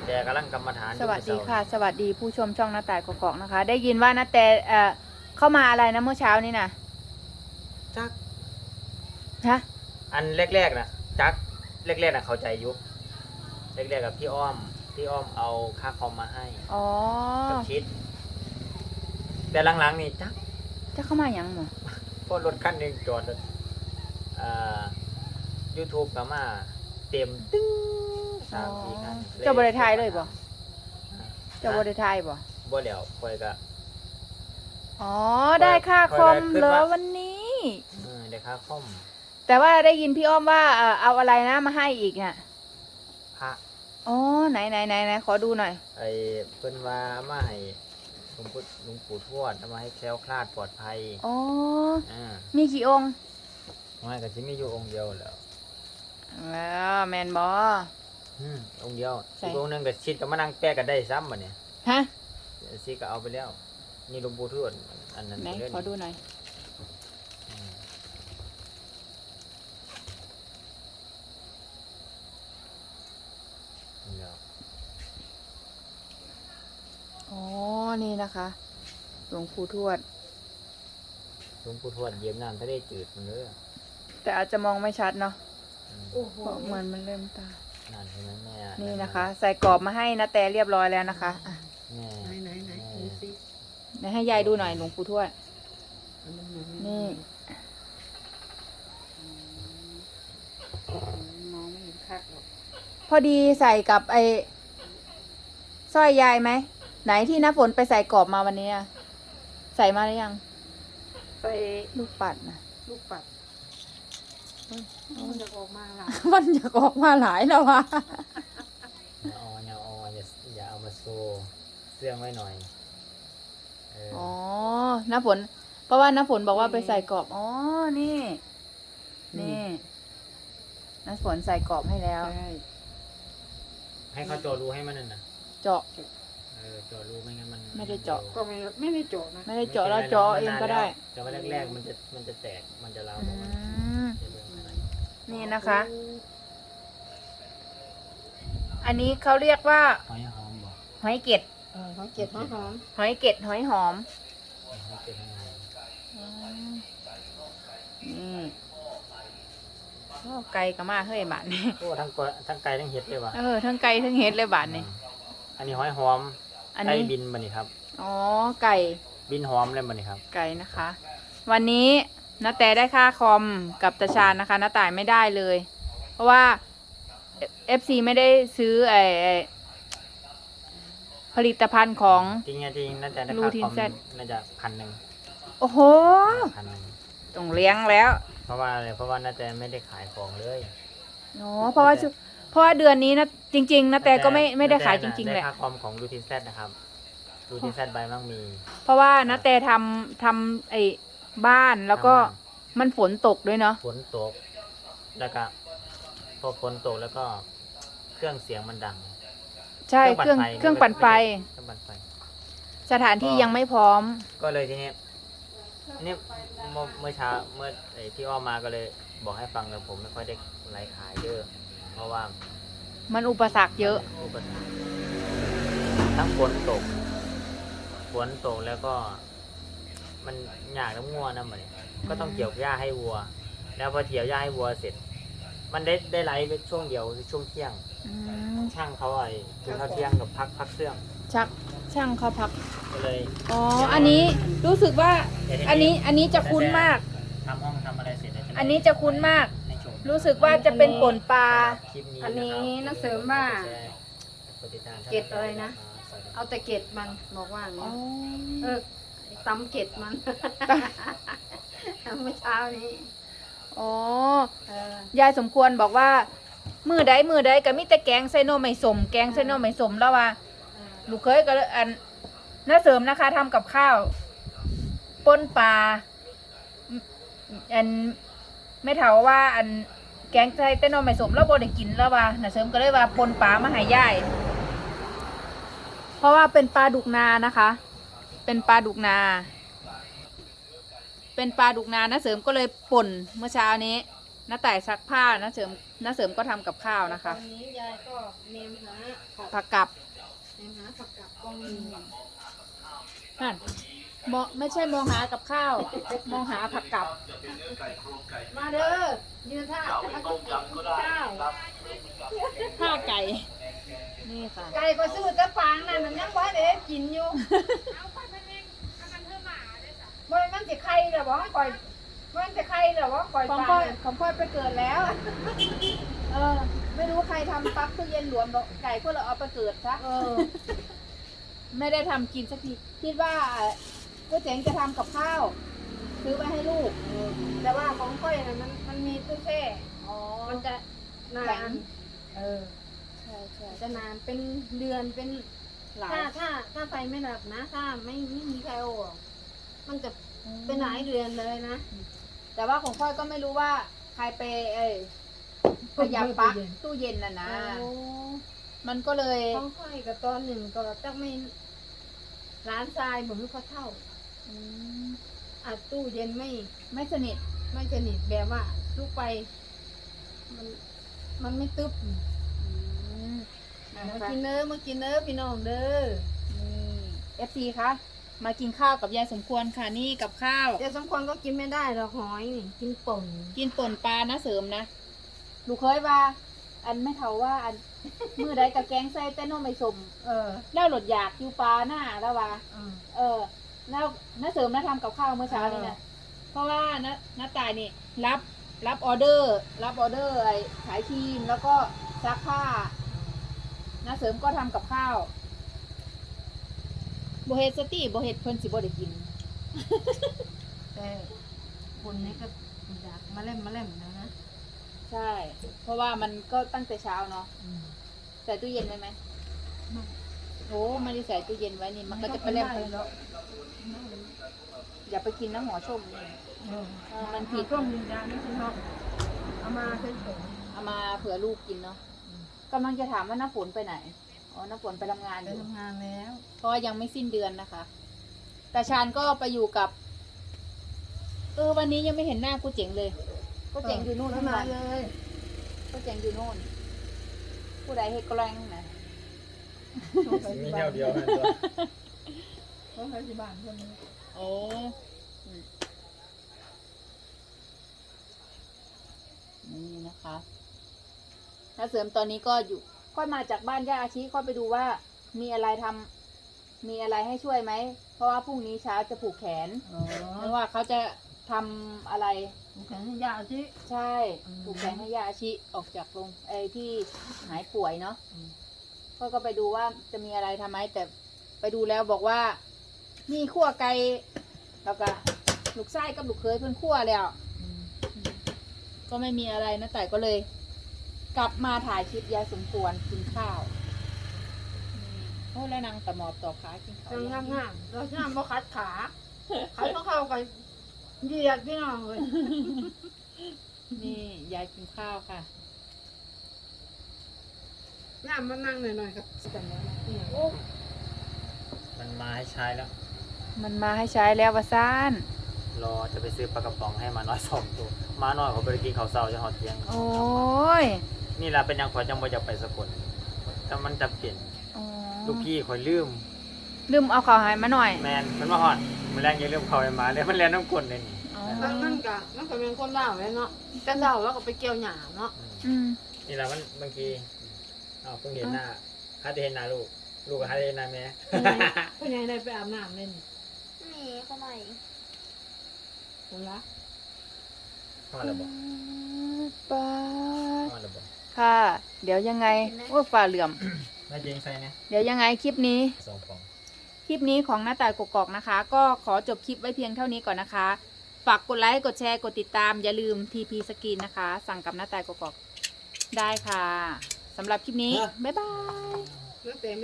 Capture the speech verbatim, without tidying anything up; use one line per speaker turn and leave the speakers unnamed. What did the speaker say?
แต่กำลังกรรมฐาน
สวัสดีค่ะสวัสดีผู้ชมช่องน้าแต่กอกๆนะคะ ได้ยินว่าน้าแต่เอ่อเข้ามาอะไรนะเมื่อเช้านี้นะ
จัก
ฮะ
อันแรกๆนะจักแรกๆนะเข้าใจยุคแรกๆกับพี่อ้อมพี่อ้อมเอาค่าคอมมาให้
อ๋อ
กับคิดแต่หลังๆนี่จัก
จะเข้ามาอย่างหมอ
พอรถคันหนึ่งจอดอ่ายูทูบกับมาเต็มตึ้งสามสี่คัน
เจ้าบริไทยเลยบ่เจ้าบริไทยบ่
บ่เดี๋ยวคอยก็
อ๋อได้ค่าคอมเหรอวันนี้
เออได้ค่าคอม
แต่ว่าได้ยินพี่อ้อมว่าเอาอะไรนะมาให้อีกอ่ะ
พระ
อ๋อไหนไหนไหนไหนขอดูหน่อย
ไอ้เพิ่นว่ามาให้หลวงปู่หลวงปู่ทวดเอามาให้แคล้วคลาดปลอดภัย
อ๋อ
อ่า
มีกี่องค์
ไม่ก็สิมีอยู่องค์เดียวแล้ว
แล้วแมนบอ
อืมองค์เดียวอีกองค์นึงก็ชิดก็มานั่งแปะกันได้ซ้ำบัดนี้
ฮะ
สิก็เอาไปแล้วนี่หลวงปู่ทวดอันนั้น
ไหนขอดูหน่อยอ๋อนี่นะคะหลวงปู่ทวด
หลวงปู่ทวดเยี่ยมน้ำทะเลจืดมันเลย
แต่อาจจะมองไม่ชัดเนาะเพราะเหมือนมันเริ่มตา
นั่นใช่ไหมแม่
นี่นะคะใส่กรอบมาให้นะแต่เรียบร้อยแล้วนะคะ
แม่
ไหนไหนไหนดูสิ
เดี๋ยวให้ยายดูหน่อยหลวงปู่ทวดนี่
มองไม่เห็นคักหรอก
พอดีใส่กับไอ้สร้อยยายไหมไหนที่น้าฝนไปใส่กรอบมาวันนี้ใส่มาหรือยัง
ใส่
ลูกปัดนะ
ลูกปัดมันจะออกมาหลาย
มันจะออกมาหลายแล้ววะ
อย่าอออย่าอออย่าอย่าเอามาโซเสื่องไว้หน่อย
อ๋อน้าฝนเพราะว่าน้าฝนบอกว่าไปใส่กรอบอ๋อนี่นี่น้าฝนใส่กรอบให้แล้ว
ให้เขาเจาะรูให้มันนั่นนะ
เจาะ
เออเจาะรูไม่งั้นมัน
ไม่ได้เจาะ
ก็ไม่ไม่ได้เจาะนะ
ไม่ได้เจาะแล้วเจาะเองก็ได้
เจาะแรกๆมันจะมันจะแตกมันจะร้าว
นี่นะคะอันนี้เขาเรียกว่า
หอยหอมบ่
หอยเก็ด
หอยเก็ดหอยหอม
หอยเก็ดหอยหอมนี่โอ้ไก่ก็มาเฮ้ยบาทนี่
โอ้ทั้งกทั้งไก่ทั้งเห็ดเลยว่ะ
เออทั้งไก่ทั้งเห็ดเลยบาทนี่
อันนี้หอยหอมไก่บินบันนี่ครับ
อ๋อไก่
บินหอมเลยบันนี่ครับ
ไก่นะคะวันนี้น้าแต่ได้ค่าคอมกับตาชาญนะคะน้าต่ายไม่ได้เลยเพราะว่าเอฟซีไม่ได้ซื้อไอผลิตภัณฑ์ของ
จริงจริงน่าจะได้ค่าคอมน่าจะพันหนึ่ง
โอ้โห
พันหนึ่ง
ต้องเลี้ยงแล้ว
เพราะว่าอะไรเพราะว่าน่าจะไม่ได้ขายของเลย
อ๋อเพราะว่าเพราะว่าเดือนนี้นะจริงๆนะแต่ก็ไม่ไม่ได้ขายจริงๆแหละ
ค่าคอมของดูทินแซดนะครับดูทินแซดใบมั่งมี
เพราะว่านะแต่ทำทำไอ้บ้านแล้วก็มันฝนตกด้วยเนาะ
ฝนตกแล้วก็พอฝนตกแล้วก็เครื่องเสียงมันดัง
ใช่เครื่องเครื่องปั่นไฟ
เครื่องปั่นไฟ
สถานที่ยังไม่พร้อม
ก็เลยทีนี้นี่เมื่อเช้าเมื่อไอ้ที่อ้อมาก็เลยบอกให้ฟังแต่ผมไม่ค่อยได้ไลฟ์ขายเยอะเพราะว่า
มันอุปสรรคเยอะ
อุปสรรคทั้งฝนตกฝนตกแล้วก็มันหยากน้ำงัวนะมันก็ต้องเกี่ยวหญ้าให้วัวแล้วพอเกี่ยวหญ้าให้วัวเสร็จมันได้ได้ไลฟ์ไปช่วงเดียวช่วงเที่ยงช่างเขาไอ้คือเขาเที่ยงกับพักพักเครื่อง
ชักช่างเขาพัก
เลย
อ๋ออันนี้รู้สึกว่าอันนี้อันนี้จะคุ้นมาก
ทำห้องทำอะไรเสร็จ
อันนี้จะคุ้นมากรู้สึกว่าจะเป็นป่นปลา
อันนี้นักเสริมว่าเกล็ดอะไรนะเอาแต่เกล็ดมันบอกว่าอย่างนี้เออตำเกล็ดมันเมื่อเช้านี้
อ๋อยายสมควรบอกว่ามือใดมือใดก็มีแต่แกงไซโนไม่สมแกงไซโนไม่สมแล้วว่าลูกเคยก็อันน้าเสริมนะคะทำกับข้าวป่นปลาอันไม่เท่าว่าอันแกงไซโนไม่สมแล้วบ่ได้กินแล้วว่าน้าเสริมก็เลยว่าป่นปลามาให้ยายเพราะว่าเป็นปลาดุกนานะคะเป็นปลาดุกนาเป็นปลาดุกนาน้าเสริมก็เลยป่นเมื่อเช้านี้น้าแต่ซักผ้าน้าเสริมน้าเสริมก็ทำกับข้าวนะคะ
ตอนนี้ยายก็เนมหาผัก
ผักกับ
เนมหาผักกับกองมี
นั่นมองไม่ใช่มองหากับข้าว มองหาผักกับ
มาเด้อยืนท่าต้มยำก็ได้ข้าว
ผ้าไก่ นี่ค่ะ
ไก่ก็ซื้อแต่ฟางนั่นมันยังบ่ได้กินอยู่บ่มันสิไข่เหรอบ่ก่อยมันสิไข่เหรอบ่ก่อย
ของ
ฟา
ค่อย
ง
ของค่อยไปเกิดแล้ว เออ ไม่รู้ใครทำปลั๊กตู้เย็นหลวมบอกไก่พวกเราเอาไปเกิดซะ
เออ
ไม่ได้ทำกินสักทีคิดว่าก็เจ๋งจะทำกับข้าว ซื้อไปให้ลูก
แต่ว่าของก้อยน่ะมันมันมีตู้แช่
อ๋อ
มันจะนา
แข็ง
นเออ
ใช่ใช่
จะนานเป็นเดือนเป็น
หลาย
ถ้าถ้าถ้าไฟไม่ดับนะ ถ้าไม่ไม่มีใครเอาออกมันจะเป็นหลายเดือนเลยนะ
แต่ว่าของค่อยก็ไม่รู้ว่าใครไปเอ้ยขยับปลั๊กตู้เย็นน่ะนะ
โอ้
มันก็เลย
ของค่อยกับตอนหนึ่งก็ต้องไม่ร้านทรายเหมือนเขาเท่า
อืม
อัดตู้เย็นไม่
ไม่สนิท
ไม่สนิทแบบว่าลูกไป มันมันไม่ตึ๊บ
อืมนะ
มา
คะ
กินเด้อมากินเด้อพี่น้องเด้อ
นี่เอฟซีคะมากินข้าวกับยายสมควรค่ะนี่กับข้าว
เดี๋ยวสมควรก็กินไม่ได้หรอกหอยนี่กินป่น
กินป่นปลานะเสริมนะลูกเคยว่า อันไม่เท่าว่าอัน มือใดกับแกงใส่แต่นมไม่สม
เออ
แล้วหลดอยากอยู่ปลาหน้าแล้วว่า
เออ
เออแล้วน้าเสริมน้าทำกับข้าวเมื่อเช้านี่นะเพราะว่าน้าน้าตายนี่รับรับออเดอร์ รับออเดอร์ไอ้ขายครีมแล้วก็ซักผ้าน้าเสริมก็ทำกับข้าวโบเฮดสตี้โบเฮดเพิ่นสิบ่ได้กิน
แต่คนนี้ก็อยากมาเล่มมาเล่มนะนะ
ใช่ เพราะว่ามันก็ตั้งแต่เช้าเนาะ
อืม
ใส่ตู้เย็นไว้ไหม
ไม่
โอ้ไม่ได้ใส่ตู้เย็นไว้นี่มันก็จะไปเล่น
ด้แล้ว
อย่าไปกินน้ำหัวชมนี่
เออ
เออมันผิ
ผิ
ด
ดช่วงนี้นะนี่คือเขาเอามาเฉย
เอามาเผื่อลูกกินเนาะกำลังจะถามว่าน้าฝนไปไหนอ๋อน้าฝนไปทำงาน
ๆ
อ
ไป
ยู่
ทำงานแล้ว
เพราะว่ายังไม่สิ้นเดือนนะคะ แต่ชานก็ไปอยู่กับ เออวันนี้ยังไม่เห็นหน้ากูเจ๋งเลยก็เจ๋งอยู่นู่น
ไม่
ทั้ง
มา
วัน
เลย
ก็เจ๋งอยู่นู่น ผู้ใดเฮ็ดกล้งนะ
มีแนวเดียวนั่นตัว
เขาไปที่บ้านคนนี้
โอ้อืมนี่นะคะถ้าเสริมตอนนี้ก็อยู่ ค่อยมาจากบ้านย่าอาชีค่อยไปดูว่า มีอะไรทำมีอะไรให้ช่วยไหม เพราะว่าพรุ่งนี้เช้าจะผูกแขน
อ๋อ
ไม่ว่าเขาจะทำอะไร
แขนยาวสิ
ใช่
อืม
ผูกแขนให้ย่าอาชีออกจากโรงไอ้ที่หายป่วยเนาะ
อืม
ก็ก็ไปดูว่าจะมีอะไรทำไหมแต่ไปดูแล้วบอกว่า มีขั้วไก่แล้วก็ลูกไส้กับลูกเคยเพื่อนขั้วแล้ว
อืม
ก็ไม่มีอะไรนะแต่ก็เลย กลับมาถ่ายคลิปยายสมควรกินข้าวอืมโอ้แล้วนางตะหมอบต่อขากินข้าว
งามงามๆเราช่างบ่คัดขาคัดต้องเข้ากันเหยียดพี่น้องเลย
นี่ยายกินข้าวค่ะ
งามมานั่งหน่อยๆกับกันแล้วนะเนี่ย
โอ้
มันมาให้ใช้แล้ว
มันมาให้ใช้แล้ววะซ่าน
รอจะไปซื้อปลากระป๋องให้มาน้อยสองตัวมาน้อยเขาไปกินข้าวเช้าจะหอดเที่ยง
โอ้ย
นี่แหละเป็นยังขอยจังบ่จะไปสกลแต่มันจะเปลี่ยน
อ๋อ
ลูกพี่คอยลืม
ลืมเอาข้าวใหายมาหน่อย
แมนมันมาหอดมันแรงอยังลืมเขาไปมาเลยมันแรงน้ำกลนเลยนี่
อ๋อ
มันมันกะมันก็เป็นคนเล่าวเลยเนาะแต่เล่าแล้วก็ไปเกี่ยวหยาเนาะ
อืม
อืม
นี่แหละมันบางทีอ้าวเพิ่งเห็นหน้าฮัทได้เห็นหน้าลูกลูกก็ฮัทได้เห็นหน้าแม่
พ่อใหญ่ได้ไปอาบน้ำเล่น
มีเขาใหม่
คนละ
ฮอดแล้วบ่
ปา
ฮอดแล้วบ่
ค่ะ เดี๋ยวยังไงโอ้ฝ่าเหลื่อม
แม่เจงใส่นะ
เดี๋ยวยังไงคลิปนี้
สองฟอง
คลิปนี้ของหน้าตายกกอกนะคะ ก็ขอจบคลิปไว้เพียงเท่านี้ก่อนนะคะ ฝากกดไลค์ กดแชร์ กดติดตาม อย่าลืม ที พี Skin นะคะ สั่งกับหน้าตายกกอกได้ค่ะสำหรับคลิปนี้ บ๊ายบาย
แล้วแต่